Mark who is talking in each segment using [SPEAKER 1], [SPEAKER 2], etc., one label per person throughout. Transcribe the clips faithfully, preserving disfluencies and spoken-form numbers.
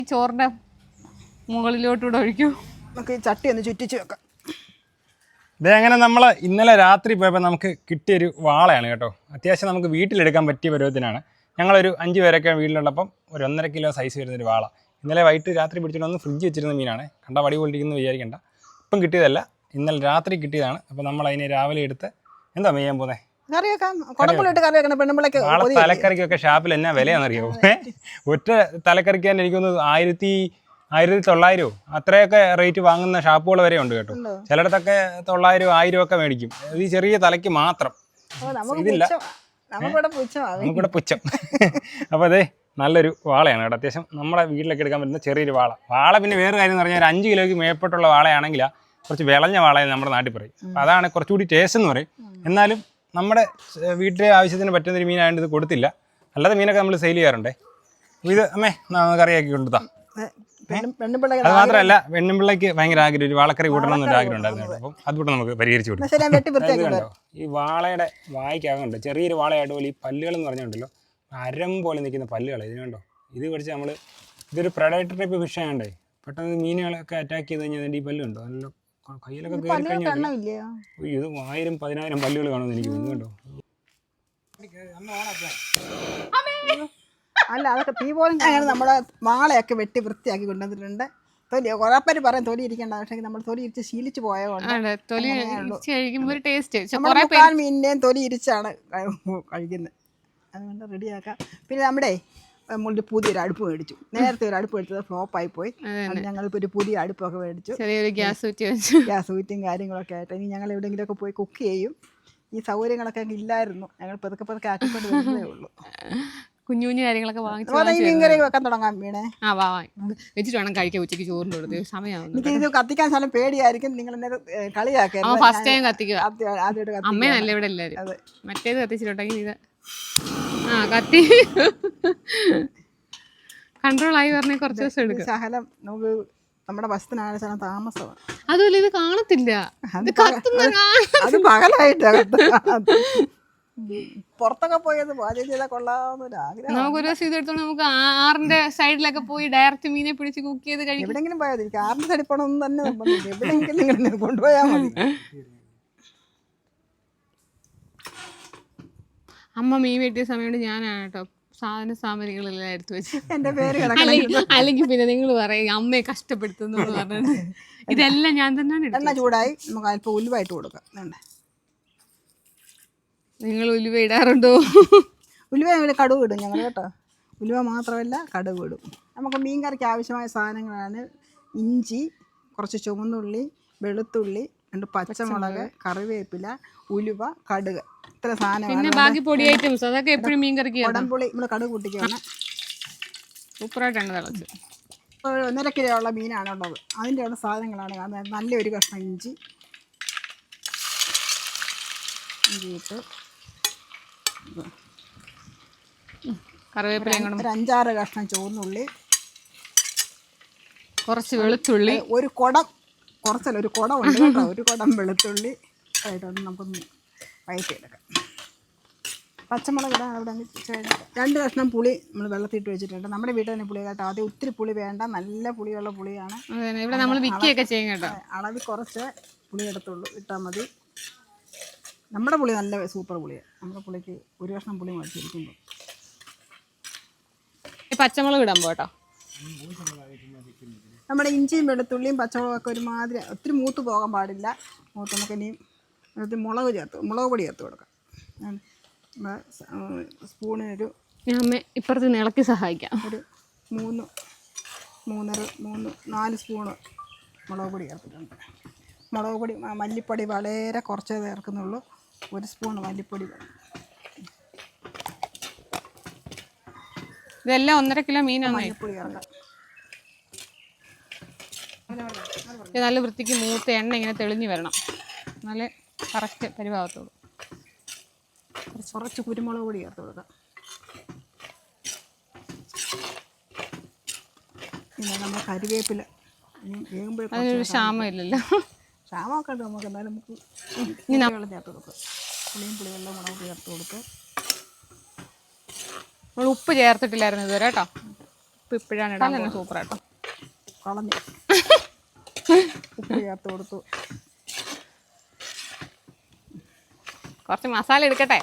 [SPEAKER 1] ചോറിന്റെ മുകളിലോട്ടൂടെ ഒഴിക്കും.
[SPEAKER 2] നമുക്ക് ഈ ചട്ടി ഒന്ന് ചുറ്റിച്ച് വെക്കാം.
[SPEAKER 3] ഇതേ അങ്ങനെ നമ്മൾ ഇന്നലെ രാത്രി പോയപ്പോൾ നമുക്ക് കിട്ടിയൊരു വാളയാണ് കേട്ടോ. അത്യാവശ്യം നമുക്ക് വീട്ടിലെടുക്കാൻ പറ്റിയ പരുവത്തിനാണ്. ഞങ്ങളൊരു അഞ്ച് പേരൊക്കെ വീട്ടിലുള്ളപ്പം ഒരു ഒന്നര കിലോ സൈസ് വരുന്നൊരു വാള. ഇന്നലെ വൈകിട്ട് രാത്രി പിടിച്ചിട്ട് ഒന്ന് ഫ്രിഡ്ജ് വെച്ചിരുന്ന മീനാണ്. കണ്ട വടി കൊണ്ടിരിക്കുന്നത് വിചാരിക്കേണ്ട. ഇപ്പം കിട്ടിയതല്ല, ഇന്നലെ രാത്രി കിട്ടിയതാണ്. അപ്പോൾ നമ്മൾ അതിനെ രാവിലെ എടുത്ത് എന്താ ചെയ്യാൻ പോകുന്നത്? വാള തലക്കറിക്കൊക്കെ ഷാപ്പിൽ എന്നാ വിലയാണെന്നറിയോ? ഒറ്റ തലക്കറിക്ക് തന്നെ എനിക്കൊന്ന് ആയിരത്തി ആയിരത്തി തൊള്ളായിരമോ അത്രയൊക്കെ റേറ്റ് വാങ്ങുന്ന ഷാപ്പുകൾ വരെ ഉണ്ട് കേട്ടോ. ചിലയിടത്തൊക്കെ തൊള്ളായിരം ആയിരം ഒക്കെ മേടിക്കും. ഈ ചെറിയ തലയ്ക്ക് മാത്രം. ഇതില്ല, നമുക്കിവിടെ പുച്ഛം. അപ്പോൾ അതെ നല്ലൊരു വാളയാണ് കേട്ടോ. അത്യാവശ്യം നമ്മുടെ വീട്ടിലൊക്കെ എടുക്കാൻ പറ്റുന്ന ചെറിയൊരു വാള. വാള പിന്നെ വേറെ കാര്യം എന്ന് പറഞ്ഞാൽ ഒരു അഞ്ച് കിലോയ്ക്ക് മേപ്പെട്ടുള്ള വാളയാണെങ്കിൽ കുറച്ച് വിളഞ്ഞ വാളയെന്ന് നമ്മുടെ നാട്ടിൽ പറയും. അപ്പോൾ അതാണ് കുറച്ചുകൂടി ടേസ്റ്റ് എന്ന് പറയും. എന്നാലും നമ്മുടെ വീട്ടിലെ ആവശ്യത്തിന് പറ്റുന്നൊരു മീനായതുകൊണ്ട് ഇത് കൊടുത്തില്ല. അല്ലാതെ മീനൊക്കെ നമ്മൾ സെയിൽ ചെയ്യാറുണ്ടേ. ഇത് അമ്മേ കറിയാക്കി കൊണ്ടുതാ. അത് മാത്രമല്ല പെണ്ണുമ്പിള്ളക്ക് ഭയങ്കര ആഗ്രഹം ഒരു വാളക്കറി കൂട്ടണം എന്നൊരു ആഗ്രഹം ഉണ്ടായിരുന്നു. അപ്പം അതുകൂടെ നമുക്ക് പരിഹരിച്ചു കൊടുക്കും. ഈ വാളയുടെ വായിക്കാകുന്നുണ്ട് ചെറിയൊരു വാളയായിട്ട് പോലെ ഈ പല്ലുകൾ എന്ന് പറഞ്ഞുണ്ടല്ലോ അരം പോലെ നിൽക്കുന്ന പല്ലുകൾ ഇതിനുണ്ടോ. ഇത് പഠിച്ച് നമ്മൾ ഇതൊരു പ്രൊഡക്ടർ ടൈപ്പ് ഫിഷ് ആയതുകൊണ്ടേ പെട്ടെന്ന് മീനുകളൊക്കെ അറ്റാക്ക് ചെയ്ത് കഴിഞ്ഞാൽ ഈ പല്ലുണ്ടോ നല്ല കയ്യിലൊക്കെ കയറി കഴിഞ്ഞാൽ ഇത് ആയിരം പതിനായിരം പല്ലുകൾ കാണുമെന്ന് എനിക്ക് തോന്നുന്നു കേട്ടോ.
[SPEAKER 2] അല്ല അതൊക്കെ തീ പോലും അങ്ങനെ നമ്മുടെ വാളയൊക്കെ വെട്ടി വൃത്തിയാക്കി കൊണ്ടുവന്നിട്ടുണ്ട്. തൊലി കുറേ പേര് പറയും തൊലി ഇരിക്കേണ്ട, പക്ഷേ നമ്മൾ തൊലി ഇരിച്ച് ശീലിച്ച് പോയതുകൊണ്ട് മുക്കാൽ മീനിൻ്റെയും തൊലി ഇരിച്ചാണ് കഴിക്കുന്നത്. അതുകൊണ്ട് റെഡിയാക്കാം. പിന്നെ നമ്മുടെ നമ്മളുടെ പുതിയൊരു അടുപ്പ് മേടിച്ചു. നേരത്തെ ഒരു അടുപ്പ് മേടിച്ചത് ഫ്ലോപ്പായി പോയി. ഞങ്ങളിപ്പോൾ ഒരു പുതിയ അടുപ്പൊക്കെ മേടിച്ചു.
[SPEAKER 1] ഗ്യാസ് ഊറ്റി
[SPEAKER 2] ഗ്യാസ് ഊറ്റും കാര്യങ്ങളൊക്കെ ആയിട്ട് ഇനി ഞങ്ങൾ എവിടെയെങ്കിലുമൊക്കെ പോയി കുക്ക് ചെയ്യും. ഈ സൗകര്യങ്ങളൊക്കെ അങ്ങ് ഇല്ലായിരുന്നു. ഞങ്ങൾ പതുക്കെ പതുക്കെ ആക്കിക്കൊണ്ട് വരുന്നതേ ഉള്ളൂ.
[SPEAKER 1] കുഞ്ഞു കുഞ്ഞു കാര്യങ്ങളൊക്കെ വാങ്ങിച്ചു
[SPEAKER 2] വെക്കാൻ തുടങ്ങാം വീണേ.
[SPEAKER 1] ആ വാ വെച്ചിട്ട് വേണം കഴിക്കാൻ. ഉച്ചയ്ക്ക് ചോറിൻ്റെ കൊടുത്ത് സമയമാകുന്നു.
[SPEAKER 2] എനിക്ക് ഇത് കത്തിക്കാൻ സ്ഥലം പേടിയായിരിക്കും. നിങ്ങൾ എന്നെ കളിയാക്കുക.
[SPEAKER 1] ഫസ്റ്റ് ടൈം കത്തിക്കുക. അമ്മേനല്ല ഇവിടെ എല്ലാവരും. മറ്റേത് കത്തിച്ചിട്ടുണ്ടെങ്കിൽ ഇത് ആ കത്തി കൺട്രോൾ ആയി പറഞ്ഞ കുറച്ച് ദിവസം എടുക്കും.
[SPEAKER 2] ശകലം നമുക്ക് നമ്മുടെ ബസ്സിനാണ് ശകലം താമസമാണ്.
[SPEAKER 1] അതുപോലെ ഇത് കാണത്തില്ല.
[SPEAKER 2] അത് പകലായിട്ട് പുറത്തൊക്കെ പോയത് പാചകം ചെയ്താൽ കൊള്ളാവുന്ന ആഗ്രഹം.
[SPEAKER 1] നമുക്കൊരു ദിവസം ഇതെടുത്തോണ്ട് നമുക്ക് ആറിന്റെ സൈഡിലൊക്കെ പോയി ഡയറക്റ്റ് മീനെ പിടിച്ച് കുക്ക് ചെയ്ത് കഴിക്കും.
[SPEAKER 2] എവിടെങ്കിലും പോയാൽ എനിക്ക് ആറിന്റെ സൈഡിൽ പോകണമെന്ന് തന്നെ നിർബന്ധമില്ല. എവിടെയെങ്കിലും നിങ്ങൾ കൊണ്ടുപോയാൽ മതി.
[SPEAKER 1] അമ്മ മീൻ വെട്ടിയ സമയത്ത് ഞാനാണ് കേട്ടോ സാധന സാമഗ്രികളെല്ലാം എടുത്തു വെച്ച്.
[SPEAKER 2] എന്റെ പേര്
[SPEAKER 1] അല്ലെങ്കിൽ പിന്നെ നിങ്ങൾ പറയും അമ്മയെ കഷ്ടപ്പെടുത്തുന്നു പറഞ്ഞത്. ഇതെല്ലാം ഞാൻ തന്നെയാണ്.
[SPEAKER 2] എണ്ണ ചൂടായി നമുക്ക് അല്പം ഉലുവായിട്ട് കൊടുക്കാം. വേണ്ടേ
[SPEAKER 1] നിങ്ങൾ ഉലുവ ഇടാറുണ്ടോ?
[SPEAKER 2] ഉലുവ ഇവിടെ കടുക് ഇടും ഞങ്ങൾ കേട്ടോ. ഉലുവ മാത്രമല്ല കടുക് ഇടും. നമുക്ക് മീൻ കറിക്ക് ആവശ്യമായ സാധനങ്ങളാണ് ഇഞ്ചി, കുറച്ച് ചുവന്നുള്ളി, വെളുത്തുള്ളി, രണ്ട് പച്ചമുളക്, കറിവേപ്പില, ഉലുവ, കടുക്. ഇത്ര സാധനമാണ്.
[SPEAKER 1] ബാക്കി പൊടി ഐറ്റംസ് അതൊക്കെ എപ്പോഴും മീൻ കറിക്ക്.
[SPEAKER 2] കുടംപുളി നമ്മൾ കടുക് കൂട്ടിക്കാണ്.
[SPEAKER 1] സൂപ്പറായിട്ടാണ് തിളച്ച്.
[SPEAKER 2] ഒന്നര കിലോ ഉള്ള മീനാണുള്ളത്. അതിൻ്റെ ഉള്ള സാധനങ്ങളാണ് കാണുന്നത്. നല്ലൊരു കഷ്ണം ഇഞ്ചി ഇഞ്ചിയിട്ട്
[SPEAKER 1] കറിവേപ്പില,
[SPEAKER 2] ഒരു അഞ്ചാറ് കഷ്ണം ചുവന്നുള്ളി,
[SPEAKER 1] കുറച്ച് വെളുത്തുള്ളി,
[SPEAKER 2] ഒരു കുടം കുറച്ചല്ല ഒരു കുടം ഉണ്ട് കേട്ടോ. ഒരു കുടം വെളുത്തുള്ളി ആയിട്ടൊന്ന് നമുക്കൊന്ന് വഴറ്റിയെടുക്കാം. പച്ചമുളക് ഇടാൻ അവിടെ രണ്ട് കഷ്ണം പുളി നമ്മൾ വെള്ളത്തിട്ട് വെച്ചിട്ടുണ്ട്. നമ്മുടെ വീട്ടിൽ തന്നെ പുളി കേട്ടോ. ആദ്യം ഒത്തിരി പുളി വേണ്ട, നല്ല പുളിയുള്ള പുളിയാണ്.
[SPEAKER 1] ഇവിടെ നമ്മൾ വിൽക്കുകയൊക്കെ ചെയ്യും കേട്ടോ.
[SPEAKER 2] അളവിൽ കുറച്ച് പുളി എടുത്തുള്ളൂ, ഇട്ടാൽ മതി. നമ്മുടെ പുളി നല്ല സൂപ്പർ പുളിയാണ്. നമ്മുടെ പുളിക്ക് ഒരു കഷ്ണം പുളി മേടിച്ചിരിക്കുമ്പോൾ
[SPEAKER 1] പച്ചമുളക് ഇടാൻ പോട്ടോ.
[SPEAKER 2] നമ്മുടെ ഇഞ്ചിയും വെളുത്തുള്ളിയും പച്ചമുളകൊക്കെ ഒരുമാതിരി ഒത്തിരി മൂത്ത് പോകാൻ പാടില്ല. മൂത്ത് നമുക്ക് ഇനിയും മുളക് ചേർത്ത് മുളക് പൊടി ചേർത്ത് കൊടുക്കാം. സ്പൂണിനൊരു
[SPEAKER 1] അമ്മ ഇപ്പുറത്ത് ഇളക്കി സഹായിക്കാം.
[SPEAKER 2] ഒരു മൂന്ന് മൂന്നര മൂന്ന് നാല് സ്പൂണ് മുളക് പൊടി ചേർത്തിട്ടുണ്ട്. മുളക് പൊടി മല്ലിപ്പൊടി വളരെ കുറച്ചേ ചേർക്കുന്നുള്ളൂ. ഒരു സ്പൂൺ മല്ലിപ്പൊടി.
[SPEAKER 1] ഇതെല്ലാം ഒന്നര കിലോ മീനാണ്.
[SPEAKER 2] മല്ലിപ്പൊടി ചേർക്കാം.
[SPEAKER 1] നല്ല വൃത്തിക്ക് മൂത്ത എണ്ണ ഇങ്ങനെ തെളിഞ്ഞ് വരണം. നല്ല കറക്റ്റ് പരിഭാഗത്തോളൂ.
[SPEAKER 2] കുറച്ച് കുരുമുളക് പൊടി ചേർത്ത് കൊടുക്കാം. പിന്നെ നമ്മുടെ കരിവേപ്പില വേകുമ്പോഴേക്കും
[SPEAKER 1] അതിനൊരു ക്ഷാമം ഇല്ലല്ലോ.
[SPEAKER 2] ക്ഷാമമൊക്കെ ഉണ്ട് നമുക്ക്. എന്നാലും നമുക്ക് വെള്ളം ചേർത്ത് കൊടുക്കുക. പുളിയും പുളിവെള്ളം മുളക് ചേർത്ത് കൊടുക്കുക.
[SPEAKER 1] നമ്മൾ ഉപ്പ് ചേർത്തിട്ടില്ലായിരുന്നു ഇതുവരെ കേട്ടോ. ഉപ്പ് ഇപ്പോഴാണ് ഇടാൻ തന്നെ സൂപ്പർ ആട്ടോ.
[SPEAKER 2] കളഞ്ഞു ഉപ്പ് ചേർത്ത് കൊടുത്തു.
[SPEAKER 1] കുറച്ച് മസാല എടുക്കട്ടെ.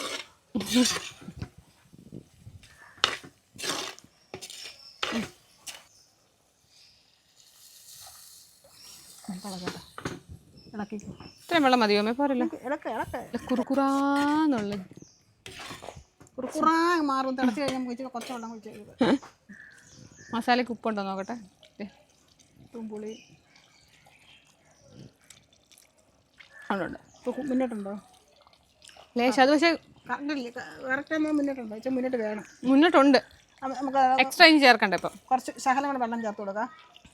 [SPEAKER 1] ഇത്രയും വെള്ളം മതിയോ? പോരല്ലോ,
[SPEAKER 2] ഇളക്ക ഇളക്ക
[SPEAKER 1] കുറുക്കുറാന്നുള്ള
[SPEAKER 2] കുറുക്കുറാ മാറും. തിളച്ച് കഴിഞ്ഞാൽ കുഴിച്ച് കുറച്ച് വെള്ളം കുഴിച്ച്
[SPEAKER 1] മസാലയ്ക്ക് ഉപ്പുണ്ടോ നോക്കട്ടെ.
[SPEAKER 2] ഉപ്പും പുളി ഉണ്ട്. മുന്നോട്ടുണ്ടോ?
[SPEAKER 1] ലേശം അത് പക്ഷേ
[SPEAKER 2] കറക്റ്റ് മുന്നോട്ടുണ്ടോ? വെച്ചാൽ മുന്നോട്ട് വേണം.
[SPEAKER 1] മുന്നോട്ടുണ്ട്.
[SPEAKER 2] നമുക്ക്
[SPEAKER 1] എക്സ്ട്രാ ഇനി ചേർക്കണ്ട. ഇപ്പം
[SPEAKER 2] കുറച്ച് ശകലം കൂടെ വെള്ളം ചേർത്ത് കൊടുക്കാം.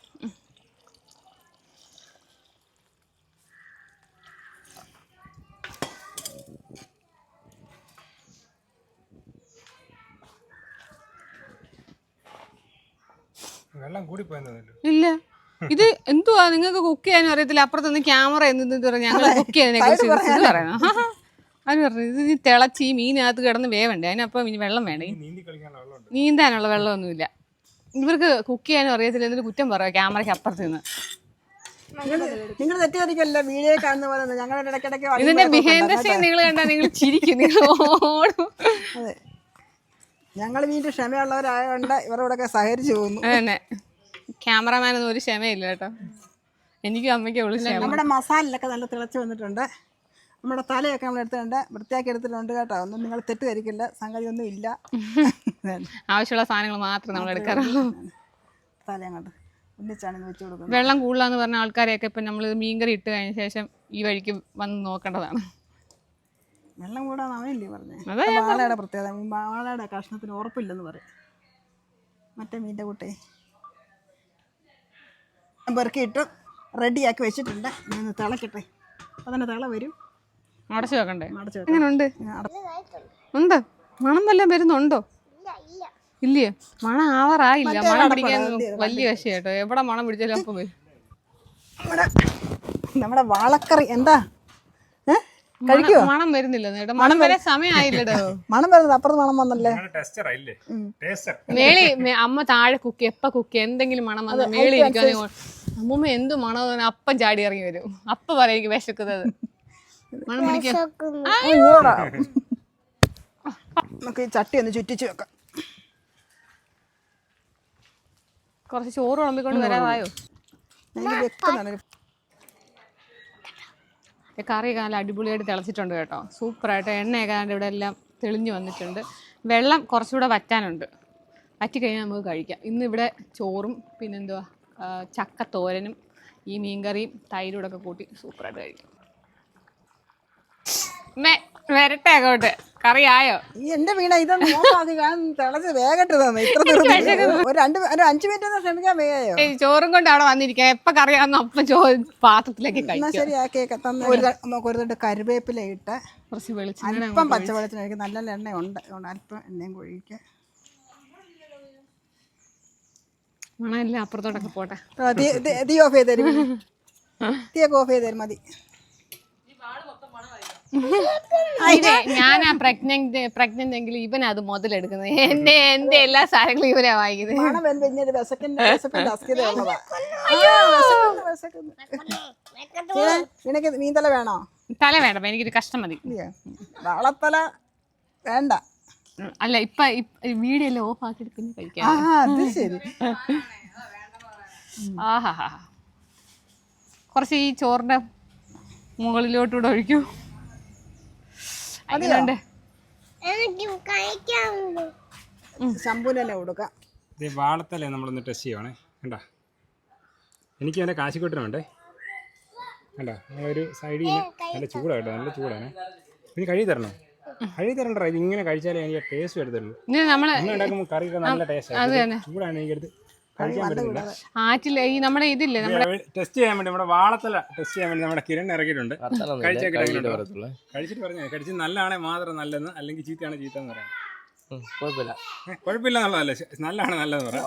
[SPEAKER 3] വെള്ളം കൂടി പോയെന്നല്ലോ.
[SPEAKER 1] ഇല്ല, ഇത് എന്തുവാ നിങ്ങൾക്ക് കുക്ക് ചെയ്യാനും അറിയത്തില്ല. അപ്പുറത്തുനിന്ന് ക്യാമറ എന്ത് പറഞ്ഞു ഞങ്ങൾ കുക്ക് ചെയ്യുന്നതിനെ കുറിച്ച് ഇത് പറയുന്നു. അവന് പറഞ്ഞു ഇത് നീ തിളച്ച് ഈ മീനകത്ത് കിടന്ന് വേവണ്ടേ, അതിനപ്പം ഇനി വെള്ളം വേണ്ടേ? നീന്താനുള്ള വെള്ളമൊന്നുമില്ല. ഇവർക്ക് കുക്ക് ചെയ്യാനും അറിയത്തില്ല, എന്നിട്ട് കുറ്റം പറയാം ക്യാമറയ്ക്ക് അപ്പുറത്ത് നിന്ന്.
[SPEAKER 2] നിങ്ങൾ തെറ്റിദ്ധരിക്കല്ല, വീഡിയോ കാണുന്ന പോലെ ഞങ്ങളുടെ ഇടയ്ക്കിടയ്ക്ക്
[SPEAKER 1] ഇതിന്റെ ബിഹൈൻഡ് സീൻ നിങ്ങൾ കണ്ടാൽ നിങ്ങൾ ചിരിക്കും, നിങ്ങൾ ഓടും.
[SPEAKER 2] അതെ, ഞങ്ങൾ വീണ്ടും ക്ഷമയുള്ളവരായതുകൊണ്ട് ഇവരോടൊക്കെ സഹകരിച്ചു പോകുന്നു.
[SPEAKER 1] അതന്നെ, ക്യാമറമാനൊന്നും ഒരു ക്ഷമയില്ല കേട്ടോ. എനിക്കും അമ്മയ്ക്കും ഉള്ളു ക്ഷമ.
[SPEAKER 2] നമ്മുടെ മസാലയിലൊക്കെ നല്ല തിളച്ച് വന്നിട്ടുണ്ട്. നമ്മുടെ തലയൊക്കെ നമ്മൾ എടുത്തിട്ടുണ്ട്, വൃത്തിയാക്കി എടുത്തിട്ടുണ്ട് കേട്ടോ. ഒന്നും നിങ്ങൾ തെറ്റിദ്ധരിക്കില്ല, സംഗതി ഒന്നും ഇല്ല.
[SPEAKER 1] ആവശ്യമുള്ള സാധനങ്ങൾ മാത്രം നമ്മൾ എടുക്കാറുള്ളൂ.
[SPEAKER 2] തല അങ്ങോട്ട് ഒന്നിച്ചാണ് വെച്ച് കൊടുക്കുന്നത്.
[SPEAKER 1] വെള്ളം കൂടുതലാന്ന് പറഞ്ഞ ആൾക്കാരെയൊക്കെ ഇപ്പം നമ്മൾ മീൻകറി ഇട്ട് കഴിഞ്ഞ ശേഷം ഈ വഴിക്ക് വന്ന് നോക്കേണ്ടതാണ്.
[SPEAKER 2] വെള്ളം കൂടാന്ന് അവനില്ലേ പറഞ്ഞേ. വാളയുടെ പ്രത്യേകത, വാളയുടെ കഷ്ണത്തിന് ഉറപ്പില്ലെന്ന് പറയും. മറ്റേ മീൻ്റെ കൂട്ടേ പെറുക്കിയിട്ട് റെഡിയാക്കി വെച്ചിട്ടുണ്ട്. ഞാൻ തിളക്കട്ടെ, അപ്പോൾ തന്നെ തിള വരും.
[SPEAKER 1] അടച്ചു വെക്കണ്ടേ?
[SPEAKER 2] അടച്ചു
[SPEAKER 1] എങ്ങനെ ഉണ്ട്? ഉണ്ട്, മണം വല്ലതും വരുന്നുണ്ടോ? ഇല്ലയോ? മണം ആവാറായില്ല. മണം പിടിക്കാൻ വലിയ വശം കേട്ടോ. എവിടെ മണം പിടിച്ചാലും അപ്പം വരും.
[SPEAKER 2] നമ്മുടെ നമ്മുടെ വാളക്കറി എന്താ കഴിക്കുവോ?
[SPEAKER 1] മണം വരുന്നില്ല കേട്ടോ, മണം വരെ സമയമായില്ലടോ.
[SPEAKER 2] മണം വരുന്നത് അപ്പുറത്ത് മണം വന്നല്ലേ.
[SPEAKER 1] മേളി അമ്മ താഴെ കുക്ക് എപ്പ കുക്ക് എന്തെങ്കിലും മണം വന്ന മേളി ഇരിക്കാൻ അമ്മൂമ്മ എന്ത് മണം അപ്പം ചാടി ഇറങ്ങി വരും. അപ്പ പറയാം എനിക്ക് വിശക്കുന്നത്. മണം പിടിക്കാൻ
[SPEAKER 2] നമുക്ക് ഈ ചട്ടി ഒന്ന് ചുറ്റിച്ച് വെക്കാം.
[SPEAKER 1] കുറച്ച് ചോറ് വിളമ്പിക്കൊണ്ട് വരാതായോ?
[SPEAKER 2] എനിക്ക് വെക്കുന്നുണ്ട്.
[SPEAKER 1] കറിയൊക്കെ നല്ല അടിപൊളിയായിട്ട് തിളച്ചിട്ടുണ്ട് കേട്ടോ. സൂപ്പറായിട്ട് എണ്ണയൊക്കെ ഇവിടെ എല്ലാം തെളിഞ്ഞു വന്നിട്ടുണ്ട്. വെള്ളം കുറച്ചുകൂടെ വറ്റാനുണ്ട്. വറ്റിക്കഴിഞ്ഞാൽ നമുക്ക് കഴിക്കാം. ഇന്നിവിടെ ചോറും പിന്നെന്തുവാ ചക്കത്തോരനും ഈ മീൻകറിയും തൈരും ഒക്കെ കൂട്ടി സൂപ്പറായിട്ട് കഴിക്കാം. വരട്ടെ അങ്ങോട്ട്. കറി ആയോ?
[SPEAKER 2] ഈ എന്റെ വീണ ഇതൊന്നും നോക്കാതെ ഞാൻ തിളച്ച് വേഗട്ട് തന്നെ. ഇത്ര ഒരു രണ്ട് ഒരു അഞ്ചു മിനിറ്റ് ഒന്ന് ശ്രമിക്കാൻ വേഗയോ.
[SPEAKER 1] ചോറും കൊണ്ട് അവിടെ വന്നിരിക്കാം. എപ്പൊ കറിയാന്ന് അപ്പം ചോ പാത്രത്തിലേക്ക് കഴിക്കാം.
[SPEAKER 2] ശരിയാക്കിയൊക്കെ തന്നെ നമുക്ക് ഒരു തൊട്ട് കറിവേപ്പില ഇട്ട്
[SPEAKER 1] കുറച്ച് വെളിച്ചെണ്ണ,
[SPEAKER 2] അല്പം പച്ചവെളിച്ചെണ്ണ, നല്ല എണ്ണ ഉണ്ട്, അല്പം എണ്ണയും കൊഴിക്കുക.
[SPEAKER 1] മണമല്ല അപ്പുറത്തോട്ടൊക്കെ പോട്ടെ.
[SPEAKER 2] തീ ഓഫ് ചെയ്ത് തരും, തീയൊക്കെ ഓഫ് ചെയ്ത് തരും മതി.
[SPEAKER 1] ഞാനാ പ്രഗ്നന്റ് പ്രഗ്നന്റ് എങ്കിൽ ഇവനാ അത് മുതലെടുക്കുന്നത്. എന്റെ എന്റെ എല്ലാ സാധനങ്ങളും ഇവനാ വാങ്ങിക്കുന്നത്.
[SPEAKER 2] മീൻതല വേണോ?
[SPEAKER 1] തല വേണ്ട, എനിക്കൊരു കഷ്ടം മതി.
[SPEAKER 2] വാളത്തല വേണ്ട.
[SPEAKER 1] അല്ല ഇപ്പൊ വീഡിയോ എല്ലാം ഓഫ് ആക്കിയിട്ട് പിന്നെ കഴിക്കാം.
[SPEAKER 2] അത് ശരി.
[SPEAKER 1] ആഹാ, കുറച്ച് ഈ ചോറിന്റെ മുകളിലോട്ടൂടെ ഒഴിക്കൂ.
[SPEAKER 2] ശമ്പൂനെ കൊടുക്കാം.
[SPEAKER 3] വാളത്തല്ലേ നമ്മളൊന്ന് ടെസ്റ്റ് ചെയ്യുവാണേ. കണ്ടാ, എനിക്ക് എൻ്റെ കാശിക്കൊട്ടിനുണ്ടേ. കണ്ടാ, ഒരു സൈഡിൽ നിന്ന് നല്ല ചൂടാണ്, നല്ല ചൂടാണ്. ഇനി കഴുകി തരണോ? കഴുകി തരണ്ട, ഇത് ഇങ്ങനെ കഴിച്ചാലേ എനിക്ക് ടേസ്റ്റ് എടുത്തുള്ളൂ. ഉണ്ടാക്കുമ്പോൾ കറിയൊക്കെ നല്ല ടേസ്റ്റ്. ചൂടാണ് എനിക്കെടുത്ത് കഴിക്കാൻ പറ്റുന്നില്ല.
[SPEAKER 1] ആറ്റില്ല ഈ നമ്മുടെ ഇതില്ലേ
[SPEAKER 3] ടെസ്റ്റ് ചെയ്യാൻ വേണ്ടി നമ്മുടെ വാളത്തല ടെസ്റ്റ് ചെയ്യാൻ വേണ്ടി നമ്മുടെ കിരൺ ഇറക്കിയിട്ടുണ്ട്. കഴിച്ചൊക്കെ കഴിച്ചിട്ട് പറഞ്ഞേ, കഴിച്ച് നല്ലതാണെ മാത്രം നല്ലതെന്ന്, അല്ലെങ്കിൽ ചീത്തയാണ് ചീത്ത എന്ന് പറയാം. കുഴപ്പമില്ല എന്നുള്ളതല്ലേ, നല്ലതാണ് നല്ലതെന്ന് പറയാം.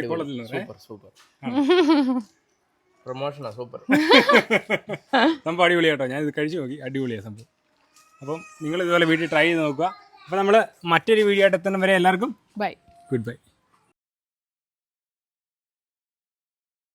[SPEAKER 3] സംഭവം അടിപൊളി കേട്ടോ. ഞാൻ ഇത് കഴിച്ചു നോക്കി, അടിപൊളിയാണ് സംഭവം. അപ്പം നിങ്ങൾ ഇതുപോലെ വീട്ടിൽ ട്രൈ ചെയ്ത് നോക്കുക. അപ്പം നമ്മൾ മറ്റൊരു വീഡിയോ ആയിട്ട് എത്തുന്ന വരെ എല്ലാവർക്കും
[SPEAKER 1] ബൈ,
[SPEAKER 3] ഗുഡ് ബൈ.